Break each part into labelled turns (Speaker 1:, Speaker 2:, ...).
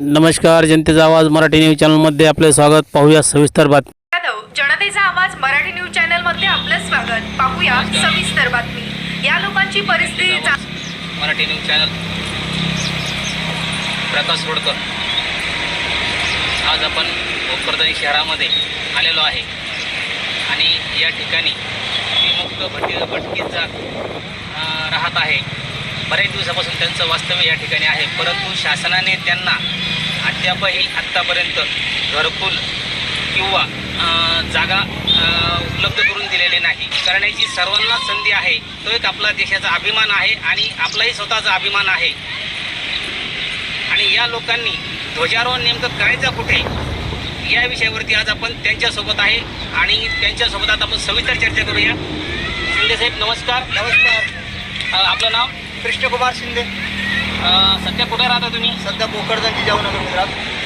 Speaker 1: नमस्कार, जनतेचा आवाज मराठी न्यूज चॅनलमध्ये आपले स्वागत. पाहूया सविस्तर बातमी.
Speaker 2: जनतेचा आवाज मराठी न्यूज चॅनलमध्ये आपलं स्वागत. पाहूया सविस्तर बातमी. या लोकांची परिस्थिती
Speaker 3: मराठी न्यूज चॅनल प्रकाश रोडकर. आज आपण भोकरदन शहरामध्ये आलेलो आहे आणि या ठिकाणी विमुक्त भटकीचा राहत आहे. बऱ्याच दिवसापासून त्यांचं वास्तव्य या ठिकाणी आहे, परंतु शासनाने त्यांना आत्तापर्यंत घरकुल किंवा जागा उपलब्ध करून दिलेली नाही. करण्याची सर्वांना संधी आहे. तो एक आपला देशाचा अभिमान आहे आणि आपलाही स्वतःचा अभिमान आहे. आणि या लोकांनी ध्वजारोहण नेमकं करायचं कुठे या विषयावरती आज आपण त्यांच्यासोबत आहे आणि त्यांच्यासोबत आता आपण सविस्तर चर्चा करूया. शिंदे साहेब नमस्कार.
Speaker 4: नमस्कार.
Speaker 3: आपलं नाव?
Speaker 4: कृष्णकुमार शिंदे.
Speaker 3: सध्या कुठे राहता तुम्ही?
Speaker 4: सध्या भोकरदनची जाऊनगर गुजरात.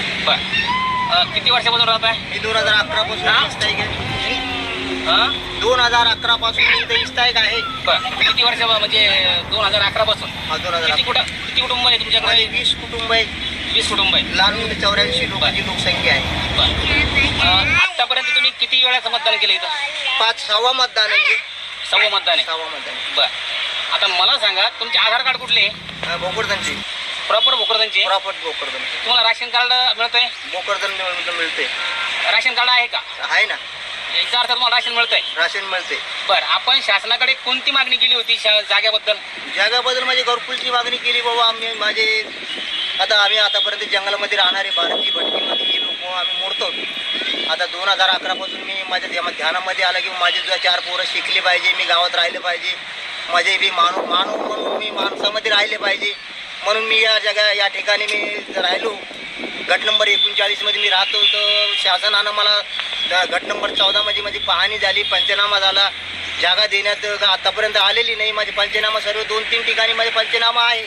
Speaker 3: बरं. किती वर्षापासून राहत आहे?
Speaker 4: मी 2011 पासून इस्ताईक आहे. 2011 पासून मी इथे इस्ताईक आहे.
Speaker 3: बरं. किती वर्ष म्हणजे 2011 पासून?
Speaker 4: हा, 2011.
Speaker 3: किती कुटुंब आहे तुमच्याकडे?
Speaker 4: 20 कुटुंब आहे.
Speaker 3: 20 कुटुंब आहे.
Speaker 4: लहान मुले 84 लोकांची लोकसंख्या आहे.
Speaker 3: बरं. आतापर्यंत तुम्ही किती वेळाचं मतदान केलं इथं?
Speaker 4: 6वा मतदान आहे.
Speaker 3: 6वं मतदान आहे.
Speaker 4: 6वा मतदान.
Speaker 3: बरं. आता मला सांगा, तुमचे आधार कार्ड कुठले आहे?
Speaker 4: भोकरदनची.
Speaker 3: प्रॉपर भोकरदनचे?
Speaker 4: प्रॉपर भोकरदन.
Speaker 3: तुम्हाला राशन कार्ड मिळतंय?
Speaker 4: भोकरदन मिळते.
Speaker 3: राशन कार्ड आहे का?
Speaker 4: आहे ना.
Speaker 3: याचा अर्थ तुम्हाला राशन मिळतंय?
Speaker 4: राशन मिळते.
Speaker 3: बरं. आपण शासनाकडे कोणती मागणी केली होती जागेबद्दल?
Speaker 4: जागाबद्दल माझी घरकुलची मागणी केली बाबा. आम्ही आतापर्यंत जंगलामध्ये राहणारे भारतीय भटकीमध्ये लोक आम्ही मोडतो. आता 2011 पासून मी माझ्या ध्यानामध्ये आलं की माझे 4 पोरं शिकले पाहिजे, मी गावात राहिले पाहिजे, माझे बी मानव म्हणून मी माणसामध्ये राहिले पाहिजे म्हणून मी या ठिकाणी मी राहिलो. गट नंबर 39 मध्ये मी राहतो. तर शासनानं मला गट नंबर 14 मध्ये माझी पाहणी झाली, पंचनामा झाला. जागा देण्यात आतापर्यंत आलेली नाही. माझे पंचनामा सर्व 2-3 ठिकाणी माझे पंचनामा आहे.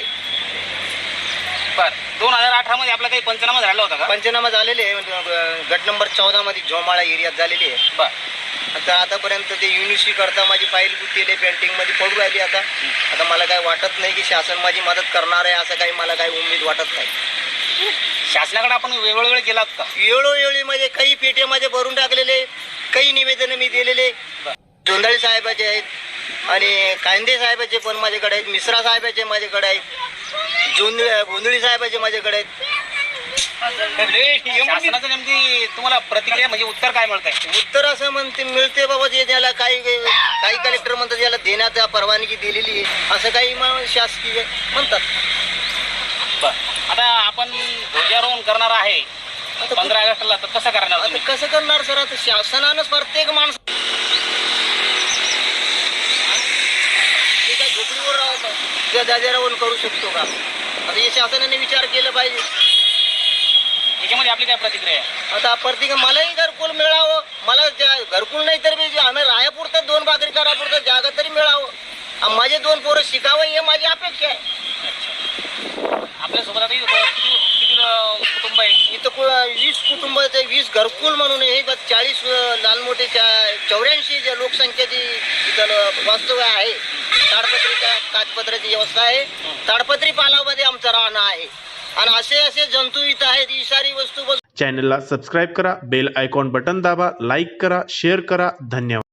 Speaker 3: बरं. 2018 मध्ये आपला काही पंचनामा झाला होता का?
Speaker 4: पंचनामा झालेले आहे. गट नंबर 14 मध्ये झोमाळा एरियात झालेली आहे.
Speaker 3: बरं.
Speaker 4: आता आतापर्यंत ते युनिव्हर्सिटी करता माझी फाईल गुंतलेली पेंटिंगमध्ये पडू राहिली. आता मला काही वाटत नाही की शासन माझी मदत करणार आहे, असं काही मला काही उमेद वाटत नाही.
Speaker 3: शासनाकडे आपण वेळोवेळी गेलात का?
Speaker 4: वेळोवेळी म्हणजे काही पेट्यामध्ये भरून टाकलेले, काही निवेदन मी दिलेले. जोंधळे साहेबाचे आहेत आणि कांदे साहेबाचे पण माझ्याकडे आहेत, मिश्रा साहेबाचे माझ्याकडे आहेत, गोंधळी साहेबाचे माझ्याकडे आहेत.
Speaker 3: शासनाचं नेमकी तुम्हाला प्रतिक्रिया म्हणजे उत्तर काय मिळत आहे?
Speaker 4: उत्तर असं मिळते बाबा जे त्याला काही कलेक्टर म्हणतात याला देण्याचा परवानगी दिलेली आहे, असं काही शासकीय म्हणतात.
Speaker 3: आता आपण ध्वजारोहण करणार आहे 15 ऑगस्टला, तर कसं करणार?
Speaker 4: आता कसं करणार सर? आता शासनानं प्रत्येक माणूस काय झोपडीवर राहतो त्या ध्वजारोहण करू शकतो का? आता हे शासनाने विचार केला पाहिजे.
Speaker 3: याच्यामध्ये आपली काय प्रतिक्रिया आहे?
Speaker 4: आता प्रत्येक मलाही घरकुल मिळावं. मला घरकुल नाही तर मी आम्ही रायापुरतं 2 भाकरी करापुरतं जागा तरी मिळावं. माझे 2 पोरं शिकावं ही माझी अपेक्षा आहे.
Speaker 3: आपल्यासोबत आता किती कुटुंब आहे
Speaker 4: इथं? 20 कुटुंबाचे 20 घरकुल म्हणून हे 40 लहान मोठे 84 जे लोकसंख्येची इथं वास्तव्य आहे. ताडपत्रीच्या कागदपत्राची व्यवस्था आहे. ताडपत्री पालामध्ये आमचं राहणं आहे आणि असे जंतू इथं आहेत. इशारी वस्तू.
Speaker 5: चॅनलला सबस्क्राईब करा, बेल आयकॉन बटन दाबा, लाईक करा, शेअर करा. धन्यवाद.